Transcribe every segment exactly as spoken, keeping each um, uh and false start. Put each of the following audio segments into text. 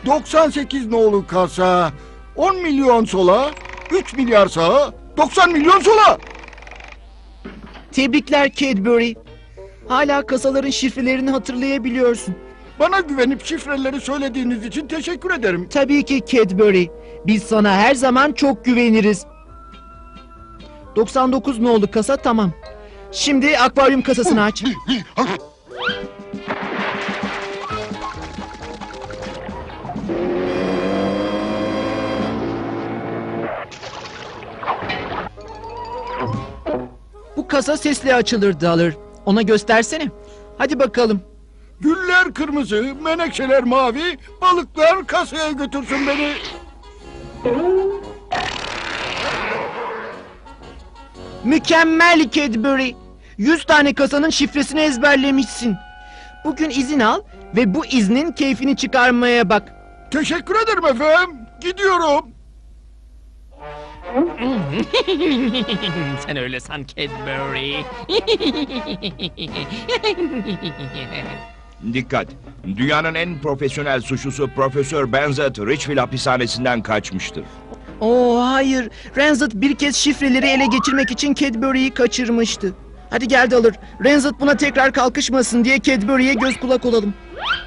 doksan sekiz nolu kasa, on milyon sola, üç milyar sağa, doksan milyon sola. Tebrikler Cadbury. Hala kasaların şifrelerini hatırlayabiliyorsun. Bana güvenip şifreleri söylediğiniz için teşekkür ederim. Tabii ki Cadbury. Biz sana her zaman çok güveniriz. doksan dokuz nolu kasa tamam. Şimdi akvaryum kasasını aç. Bu kasa sesli açılır Dalır. Ona göstersene. Hadi bakalım. Güller kırmızı, menekşeler mavi, balıklar kasaya götürsün beni. Mükemmel Cadbury. Yüz tane kasanın şifresini ezberlemişsin. Bugün izin al ve bu iznin keyfini çıkarmaya bak. Teşekkür ederim efendim. Gidiyorum. Sen öyle san Cadbury. Dikkat! Dünyanın en profesyonel suçlusu Profesör Benzet Richville hapishanesinden kaçmıştır. Oo hayır. Renzit bir kez şifreleri ele geçirmek için Cadbury'yi kaçırmıştı. Hadi gel Dalır. Renzit buna tekrar kalkışmasın diye Cadbury'ye göz kulak olalım.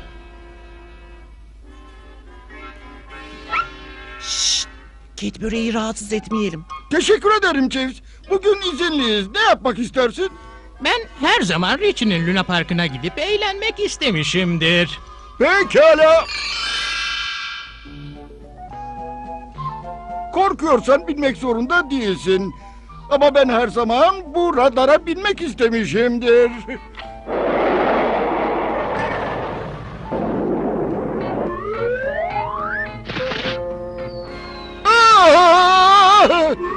Şşt! Cadbury'yi rahatsız etmeyelim. Teşekkür ederim Chiefs. Bugün izinliyiz. Ne yapmak istersin? Ben her zaman Richie'nin Luna Parkı'na gidip eğlenmek istemişimdir. Pekala. Korkuyorsan binmek zorunda değilsin. Ama ben her zaman bu radara binmek istemişimdir. Ah!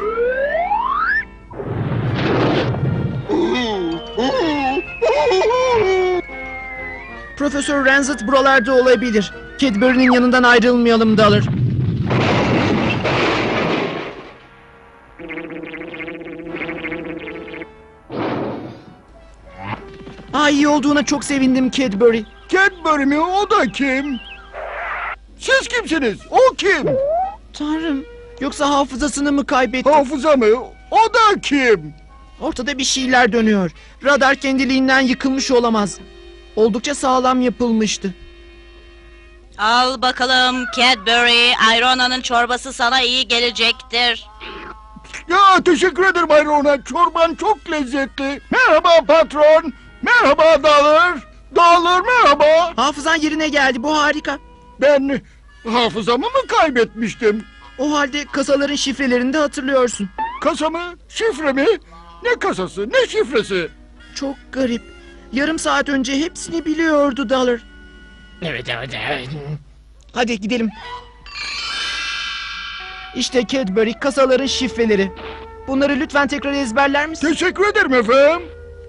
Profesör Renzit buralarda olabilir. Cadbury'nin yanından ayrılmayalım Dalır. Aa, iyi olduğuna çok sevindim Cadbury. Cadbury mi? O da kim? Siz kimsiniz? O kim? Tanrım, yoksa hafızasını mı kaybetti? Hafıza mı? O da kim? Ortada bir şeyler dönüyor. Radar kendiliğinden yıkılmış olamaz. Oldukça sağlam yapılmıştı. Al bakalım Cadbury, Irona'nın çorbası sana iyi gelecektir. Ya teşekkür ederim Ayrona. Çorban çok lezzetli. Merhaba patron. Merhaba Dalır. Dalır merhaba. Hafızan yerine geldi, bu harika. Ben hafızamı mı kaybetmiştim? O halde kasaların şifrelerini de hatırlıyorsun. Kasa mı? Şifre mi? Ne kasası? Ne şifresi? Çok garip. Yarım saat önce hepsini biliyordu Dalır. Evet evet evet. Hadi gidelim. İşte Cadbury, kasaların şifreleri. Bunları lütfen tekrar ezberler misin? Teşekkür ederim efendim.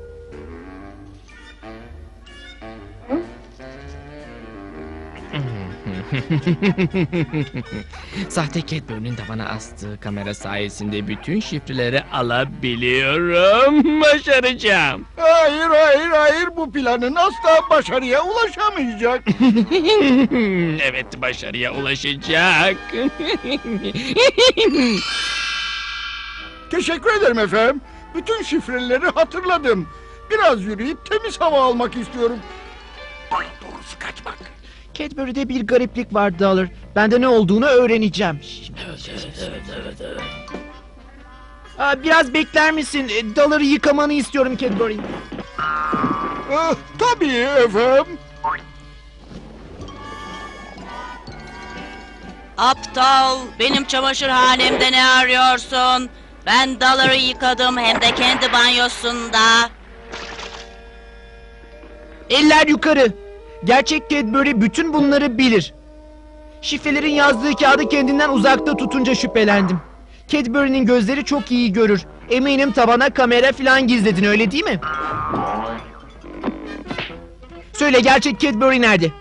Sahte Cadbury'nin tavana astığı kamera sayesinde bütün şifreleri alabiliyorum. Başaracağım. Hayır hayır hayır, bu planın asla başarıya ulaşamayacak. Evet, başarıya ulaşacak. Teşekkür ederim efendim. Bütün şifreleri hatırladım. Biraz yürüyüp temiz hava almak istiyorum. Daha doğrusu kaçmak. Cadbury'de bir gariplik var Dalır. Ben de ne olduğunu öğreneceğim. Aa, biraz bekler misin? E, Dalır'ı yıkamanı istiyorum Cadbury. Ah, tabii efendim. Aptal, benim çamaşırhanemde ne arıyorsun? Ben Dalır'ı yıkadım hem de kendi banyosunda. Eller yukarı. Gerçek Cadbury bütün bunları bilir. Şifrelerin yazdığı kağıdı kendinden uzakta tutunca şüphelendim. Cadbury'nin gözleri çok iyi görür. Eminim tabana kamera falan gizledin, öyle değil mi? Söyle, gerçek Cadbury nerede?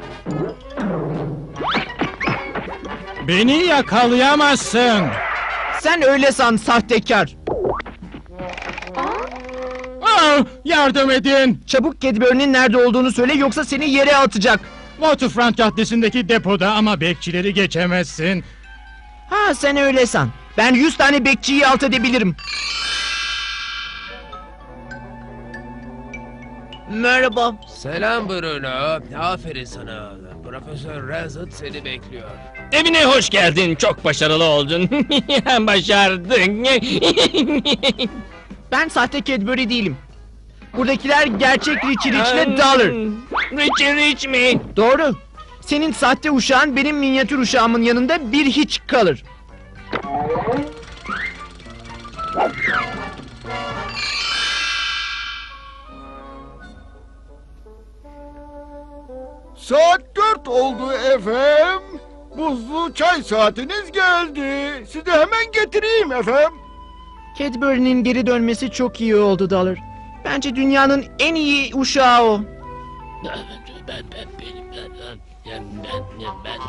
Beni yakalayamazsın. Sen öyle san sahtekar. Aa, yardım edin. Çabuk Cadbury'nin nerede olduğunu söyle, yoksa seni yere atacak. Waterfront Caddesi'ndeki depoda ama bekçileri geçemezsin. Ha sen öyle san. Ben yüz tane bekçiyi alt edebilirim. Merhaba. Selam Bruno. Aferin sana. Profesör Razat seni bekliyor. Evine hoş geldin. Çok başarılı oldun. Başardın. Ben sahte Cadbury değilim. Buradakiler gerçek Richie Rich ile Dollar. Richie Rich mi? Doğru. Senin sahte uşağın benim minyatür uşağımın yanında bir hiç kalır. Saat dört oldu efendim. Buzlu çay saatiniz geldi. Size hemen getireyim efendim. Cadbury'nin geri dönmesi çok iyi oldu Dollar. Bence dünyanın en iyi uşağı o. Ben ben benim ben ben ben ben.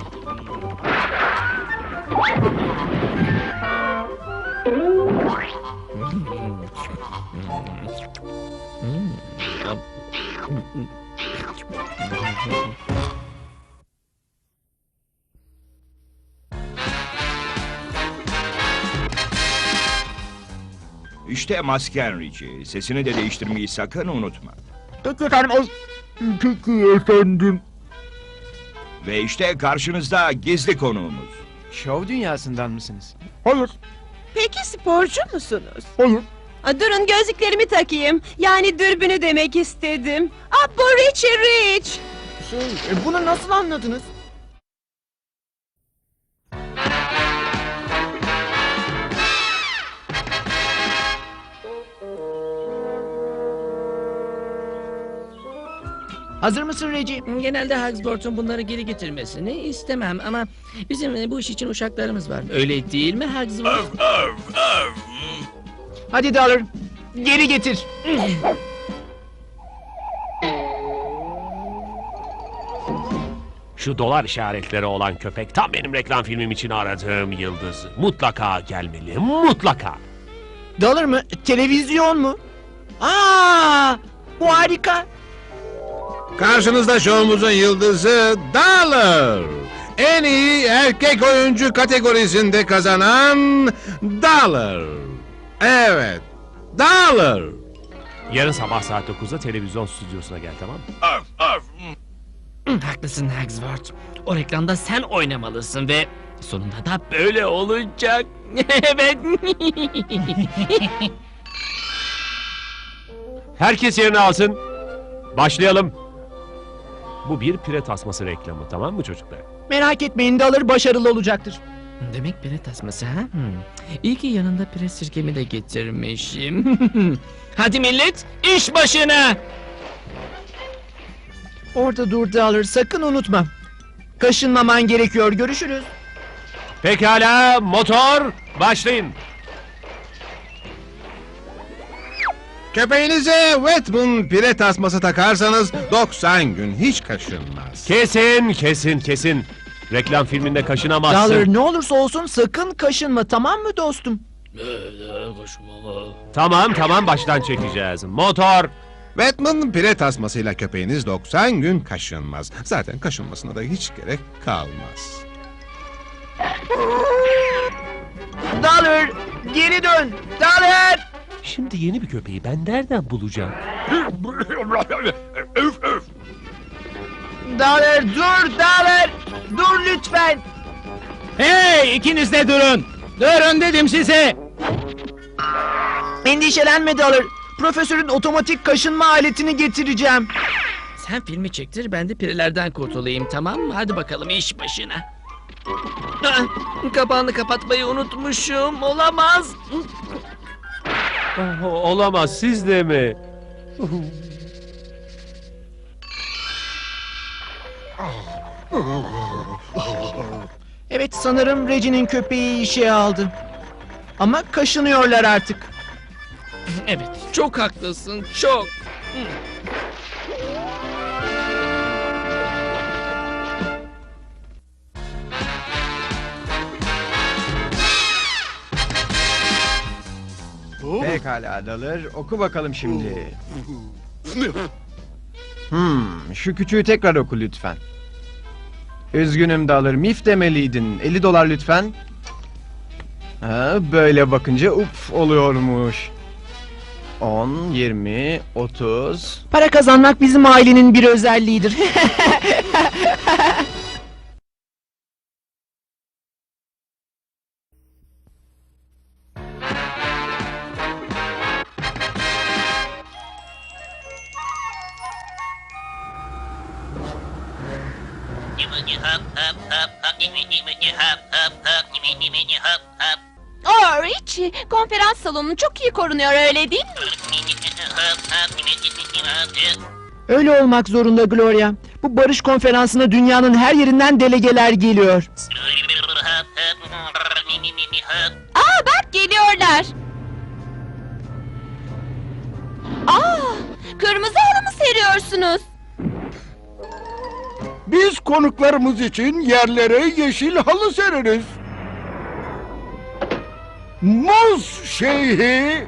İşte masken Richie. Sesini de değiştirmeyi sakın unutma. Peki efendim. Ay, peki efendim. Ve işte karşınızda gizli konuğumuz. Şov dünyasından mısınız? Hayır, Peki sporcu musunuz? hayır. Aa, durun gözlüklerimi takayım. Yani dürbünü demek istedim. Aa, bu Richie Rich. Şey, e, bunu nasıl anladınız? Hazır mısın Reggie? Genelde Hugsworth'un bunları geri getirmesini istemem ama bizim e, bu iş için uşaklarımız var. Öyle değil mi Hugsworth? Hadi Dollar, geri getir. Şu dolar işaretleri olan köpek tam benim reklam filmim için aradığım yıldız. Mutlaka gelmeli, mutlaka. Dollar mı? Televizyon mu? Aa, bu harika. Karşınızda şovumuzun yıldızı Dollar. En iyi erkek oyuncu kategorisinde kazanan Dollar. Evet, Dollar. Yarın sabah saat dokuzda televizyon stüdyosuna gel, tamam mı? Hı, haklısın Hugsworth. O reklamda sen oynamalısın ve sonunda da böyle olacak. Evet. Herkes yerini alsın. Başlayalım. Bu bir pire tasması reklamı, tamam mı çocuklar? Merak etmeyin, Dollar başarılı olacaktır. Demek pire tasması ha? Hmm. İyi ki yanında pire sirkemi de getirmişim. Hadi millet, iş başına! Orada dur Dollar, sakın unutma. Kaşınmaman gerekiyor, görüşürüz. Pekala, motor, başlayın. Köpeğinize Wetman pire tasması takarsanız doksan gün hiç kaşınmaz. Kesin, kesin, kesin. Reklam filminde kaşınamazsın. Dollar, ne olursa olsun sakın kaşınma, tamam mı dostum? Tamam, tamam, baştan çekeceğiz. Motor. Wetman pire tasmasıyla köpeğiniz doksan gün kaşınmaz. Zaten kaşınmasına da hiç gerek kalmaz. Dollar, geri dön. Dollar! Şimdi yeni bir köpeği ben nereden bulacağım? Dollar, dur Dollar! Dur lütfen! Hey, ikiniz de durun. Durun dedim size. Endişelenme Dollar. Profesörün otomatik kaşınma aletini getireceğim. Sen filmi çektir, ben de pirelerden kurtulayım, tamam mı? Hadi bakalım iş başına. Ah, kapağını kapatmayı unutmuşum, olamaz. Oh, olamaz, siz de mi? Evet, sanırım Reggie'nin köpeği işe aldı. Ama kaşınıyorlar artık. Evet, çok haklısın, çok. Pekala Dollar, oku bakalım şimdi. Hmm, şu küçüğü tekrar oku lütfen. Üzgünüm Dalır, mif demeliydin. elli dolar lütfen. Ha, böyle bakınca uf oluyormuş. on, yirmi, otuz... Para kazanmak bizim ailenin bir özelliğidir. Oh Richie, konferans salonu çok iyi korunuyor öyle değil mi? Öyle olmak zorunda Gloria. Bu barış konferansına dünyanın her yerinden delegeler geliyor. Aa bak geliyorlar. Aa, kırmızı halı mı seriyorsunuz? Biz konuklarımız için yerlere yeşil halı sereriz. Muz Şeyhi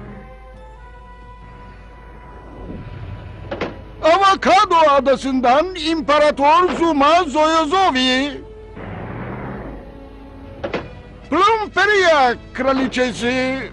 Avokado Adası'ndan İmparator Zuma Zoyozovi, Plumferia Kraliçesi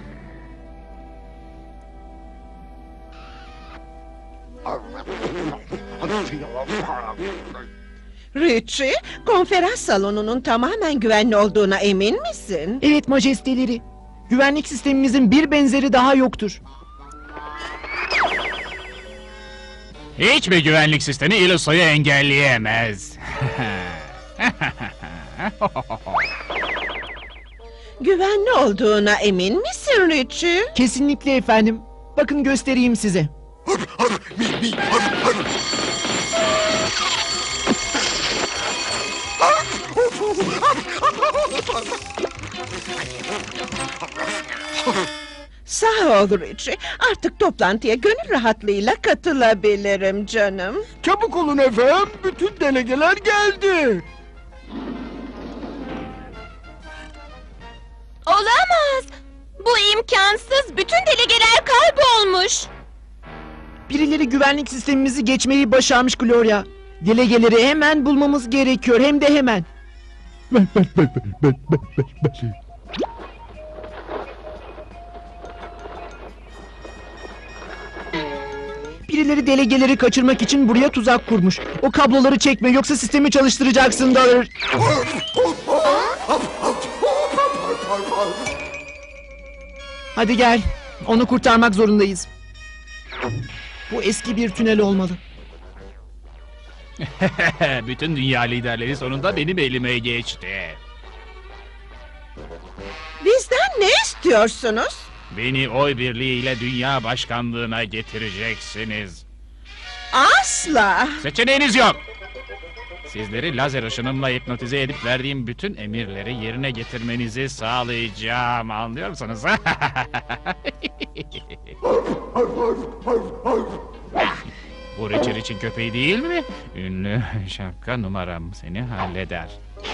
Richie, konferans salonunun tamamen güvenli olduğuna emin misin? Evet majesteleri. Güvenlik sistemimizin bir benzeri daha yoktur. Hiçbir güvenlik sistemi İluso'yu engelleyemez. Güvenli olduğuna emin misin Richie? Kesinlikle efendim. Bakın göstereyim size. Sağ ol Richie. Artık toplantıya gönül rahatlığıyla katılabilirim canım. Çabuk olun efendim, bütün delegeler geldi. Olamaz. Bu imkansız. Bütün delegeler kaybolmuş. Birileri güvenlik sistemimizi geçmeyi başarmış Gloria. Delegeleri hemen bulmamız gerekiyor, hem de hemen. Birileri delegeleri kaçırmak için buraya tuzak kurmuş. O kabloları çekme, yoksa sistemi çalıştıracaksın Dalır. Hadi gel, onu kurtarmak zorundayız. Bu eski bir tünel olmalı. Bütün dünya liderleri sonunda benim elime geçti. Bizden ne istiyorsunuz? Beni oy birliğiyle dünya başkanlığına getireceksiniz. Asla. Seçeneğiniz yok. Sizleri lazer ışınımla hipnotize edip verdiğim bütün emirleri yerine getirmenizi sağlayacağım. Anlıyor musunuz? Bu Richard için köpeği değil mi? Ünlü şapka numaram seni halleder.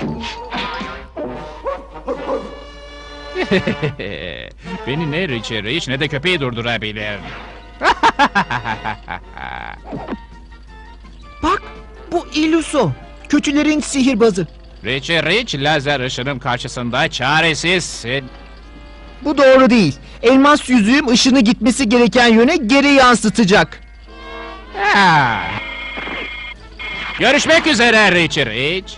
Beni ne Richard hiç ne de köpeği durdurabilir. Bak, bu Iluso. Kötülerin sihirbazı. Richard Rich lazer ışınım karşısında çaresizsin. Bu doğru değil. Elmas yüzüğüm ışını gitmesi gereken yöne geri yansıtacak. Ha. Görüşmek üzere Richard Rich.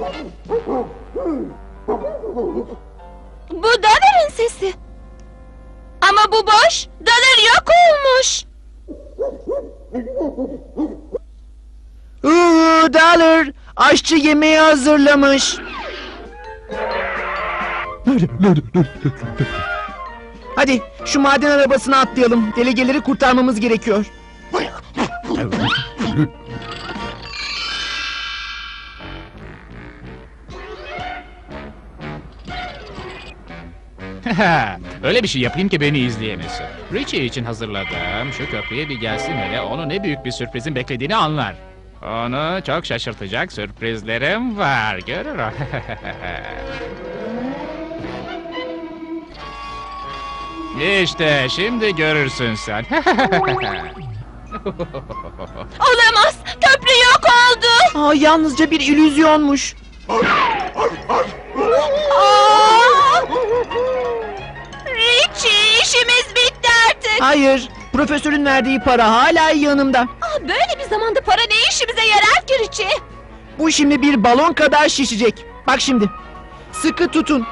Bu Dalır'ın sesi. Ama bu boş. Dalır yok olmuş. Uuu Dalır, aşçı yemeği hazırlamış. Hadi şu maden arabasına atlayalım. Delegeleri kurtarmamız gerekiyor. Öyle bir şey yapayım ki beni izleyemesin. Richie için hazırladığım şu köprüye bir gelsin hele, onu ne büyük bir sürprizin beklediğini anlar. Onu çok şaşırtacak sürprizlerim var, görür o. İşte şimdi görürsün sen. Olamaz. Köprü yok oldu. Aa, yalnızca bir illüzyonmuş. Richie, işimiz bitti artık. Hayır, profesörün verdiği para hala yanımda. Ah, böyle bir zamanda para ne işimize yarar ki Richie? Bu şimdi bir balon kadar şişecek. Bak şimdi. Sıkı tutun.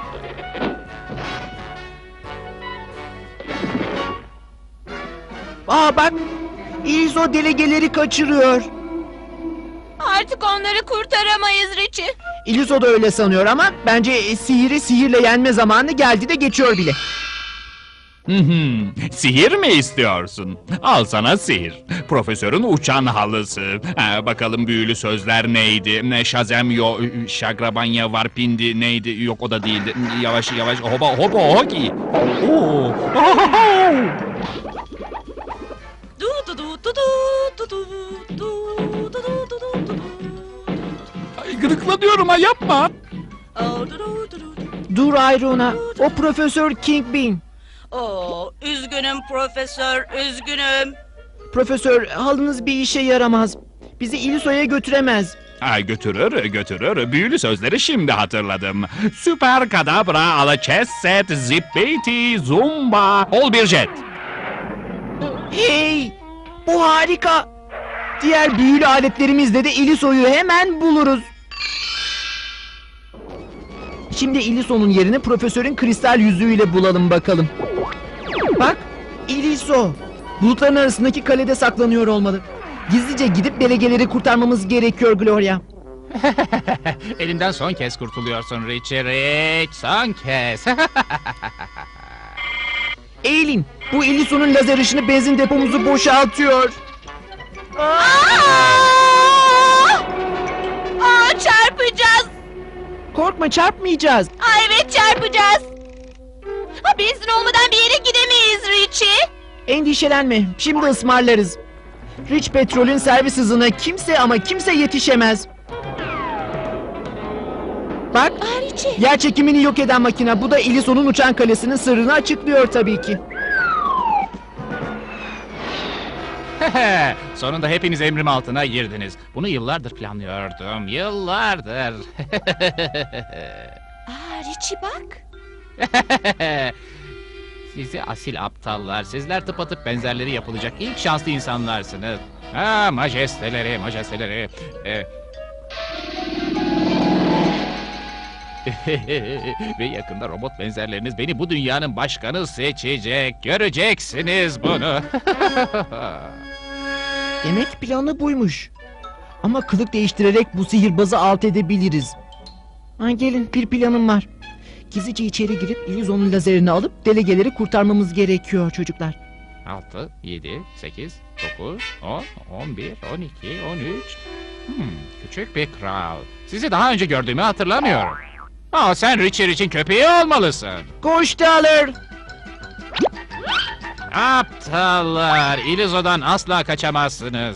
Aa bak. İzo delegeleri kaçırıyor. Artık onları kurtaramayız Richie. İlizo da öyle sanıyor ama bence e, sihiri sihirle yenme zamanı geldi de geçiyor bile. Hı hı. Sihir mi istiyorsun? Al sana sihir. Profesörün uçan halısı. Ha, bakalım büyülü sözler neydi? Ne şazem yo, şagrabanya varpindi neydi? Yok o da değildi. Yavaş yavaş hoba hoba hoki. Oo. Du du du du du du du du du du du du du. Ay, gıdıklanıyorum ha yapma. Oh, du du du du. Dur Ayrona. O Profesör Kingpin. Oo, üzgünüm profesör, üzgünüm. Profesör halınız bir işe yaramaz. Bizi İlizo'ya götüremez. Ay götürür götürür. Büyülü sözleri şimdi hatırladım. Süper kadabra alaçesset zippiti zumba. Ol bir jet. Hey! Bu harika. Diğer büyülü aletlerimizle de İlizo'yu hemen buluruz. Şimdi İlizo'nun yerini profesörün kristal yüzüğüyle bulalım bakalım. Bak, İlizo. Bulutların arasındaki kalede saklanıyor olmalı. Gizlice gidip delegeleri kurtarmamız gerekiyor Gloria. Elimden son kez kurtuluyorsun Richie Rich. Son kez. Eğilin. Bu İlizo'nun lazer ışını benzin depomuzu boşaltıyor. Aa! Aa, çarpacağız. Korkma çarpmayacağız. Aa, evet çarpacağız. Ha, benzin olmadan bir yere gidemeyiz Richie. Endişelenme. Şimdi ısmarlarız. Rich Petrol'ün servis hızına kimse ama kimse yetişemez. Bak, Aa, Richie. yer çekimini yok eden makine. Bu da İlizo'nun uçan kalesinin sırrını açıklıyor tabii ki. Sonunda hepiniz emrim altına girdiniz. Bunu yıllardır planlıyordum. Yıllardır. Aa, Richie bak. Sizi asil aptallar. Sizler tıpatıp benzerleri yapılacak ilk şanslı insanlarsınız. Ha majesteleri, majesteleri. Ee... Ve yakında robot benzerleriniz beni bu dünyanın başkanı seçecek. Göreceksiniz bunu. Demek planı buymuş. Ama kılık değiştirerek bu sihirbazı alt edebiliriz. Ha, gelin bir planım var. Gizlice içeri girip İlizo'nun lazerini alıp delegeleri kurtarmamız gerekiyor çocuklar. altı, yedi, sekiz, dokuz, on, on bir, on iki, on üç. Hmm, küçük bir kral. Sizi daha önce gördüğümü hatırlamıyorum. Aa, sen Richard için köpeği olmalısın. Koş Dollar. Aptallar, İlizo'dan asla kaçamazsınız.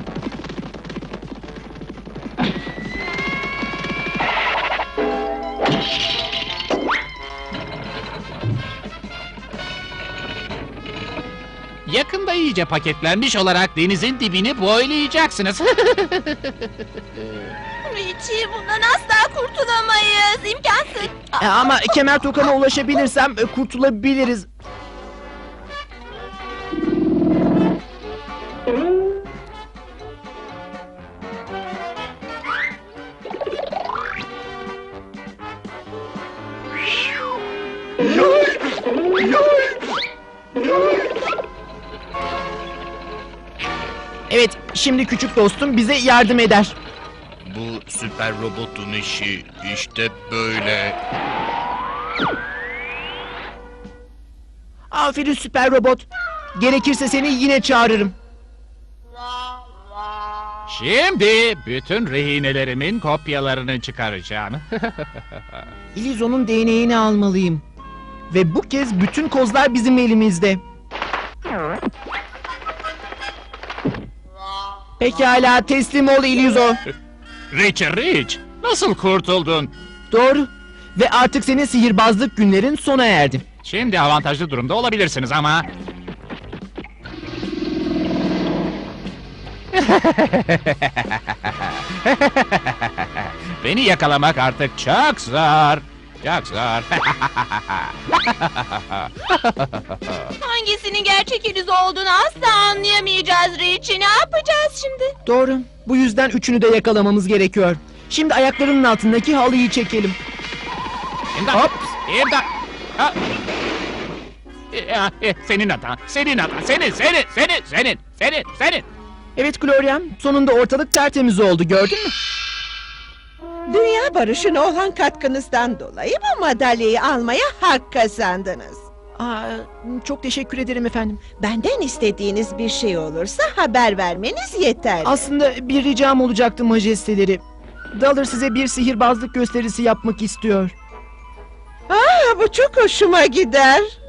Yakında iyice paketlenmiş olarak denizin dibini boylayacaksınız. Richie, bundan asla kurtulamayız. İmkansız. E, ama kemer tokama ulaşabilirsem e, kurtulabiliriz. Evet, şimdi küçük dostum bize yardım eder. Bu süper robotun işi işte böyle. Aferin süper robot. Gerekirse seni yine çağırırım. Şimdi bütün rehinelerimin kopyalarını çıkaracağım. İlizo'nun D N A'ını almalıyım. Ve bu kez bütün kozlar bizim elimizde. Pekala, teslim ol İlizo. Richard Rich, nasıl kurtuldun? Doğru. Ve artık senin sihirbazlık günlerin sona erdi. Şimdi avantajlı durumda olabilirsiniz ama... Beni yakalamak artık çok zor. Çok zor. Hangisinin gerçek Iris olduğunu asla anlayamayacağız Richie. Ne yapacağız şimdi? Doğru. Bu yüzden üçünü de yakalamamız gerekiyor. Şimdi ayaklarının altındaki halıyı çekelim. İmdat! Hop! İmdat! Ha! Ya, e, Senin hatan, senin hatan, senin, senin, senin, senin, senin, senin. Evet Gloria, sonunda ortalık tertemiz oldu, gördün mü? Dünya barışına olan katkınızdan dolayı bu madalyayı almaya hak kazandınız. Aa, çok teşekkür ederim efendim. Benden istediğiniz bir şey olursa haber vermeniz yeterli. Aslında bir ricam olacaktı majesteleri. Dollar size bir sihirbazlık gösterisi yapmak istiyor. Aa, bu çok hoşuma gider.